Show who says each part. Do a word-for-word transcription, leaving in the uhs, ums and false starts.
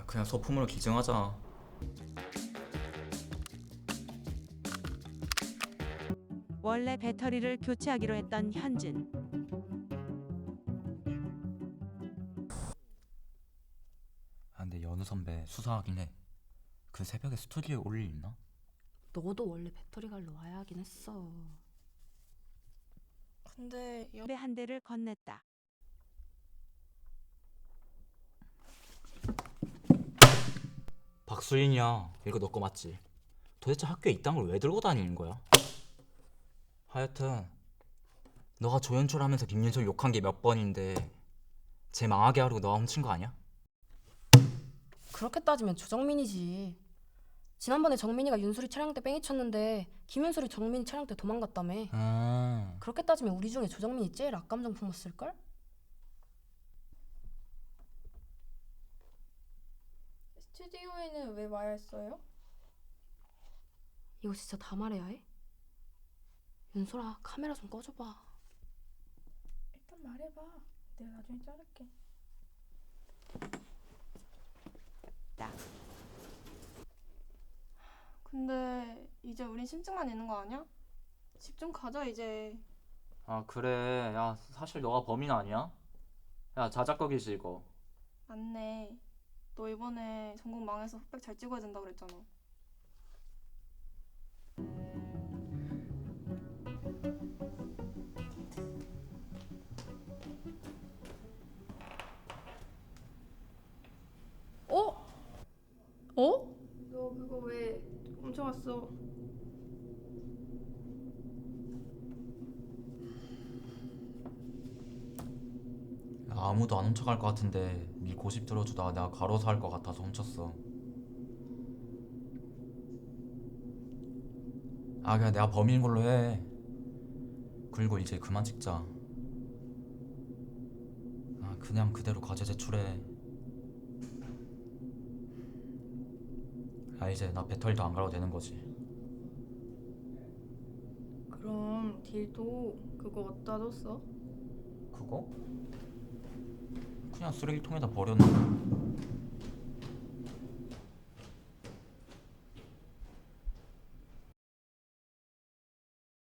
Speaker 1: 아, 그냥 소품으로 기증하자.
Speaker 2: 원래 배터리를 교체하기로 했던 현진.
Speaker 1: 아, 근데 연우 선배 수사하긴 해. 그 새벽에 스튜디오에 올 일 있나?
Speaker 3: 너도 원래 배터리 갈러 와야 하긴 했어.
Speaker 4: 근데 여...
Speaker 2: 담배 한 대를 건넸다.
Speaker 1: 박수인이야. 이거 너 거 맞지? 도대체 학교에 이딴 걸 왜 들고 다니는 거야? 하여튼 너가 조연출하면서 김윤석 욕한 게 몇 번인데 쟤 망하게 하려고 너가 훔친 거 아니야?
Speaker 3: 그렇게 따지면 조정민이지. 지난번에 정민이가 윤수리 촬영 때 뺑이 쳤는데 김윤수리 정민이 촬영 때 도망갔다며.
Speaker 1: 아,
Speaker 3: 그렇게 따지면 우리 중에 조정민이 제일 악감정 품었을걸?
Speaker 4: 스튜디오에는 왜 와야 했어요?
Speaker 3: 이거 진짜 다 말해야 해? 윤소라 카메라 좀 꺼줘봐.
Speaker 4: 일단 말해봐. 내가 나중에 자를게.
Speaker 2: 딱.
Speaker 4: 근데 이제 우린 심증만 내는 거 아니야? 집 좀 가자 이제.
Speaker 1: 아 그래. 야 사실 너가 범인 아니야? 야 자작극이지 이거.
Speaker 4: 맞네. 너 이번에 전국 망해서 흑백 잘 찍어야 된다 그랬잖아. 어?
Speaker 3: 어?
Speaker 4: 너 그거 왜 훔쳐왔어?
Speaker 1: 야, 아무도 안 훔쳐갈 것 같은데 네 고집 들어주다가 내가 과로사 할 것 같아서 훔쳤어. 아 그냥 내가 범인인 걸로 해. 그리고 이제 그만 찍자. 아 그냥 그대로 과제 제출해. 아 이제 나 배터리도 안 갈아도 되는 거지.
Speaker 4: 그럼 딜도 그거 어디다 뒀어?
Speaker 1: 그거? 그냥 쓰레기통에다 버렸는데.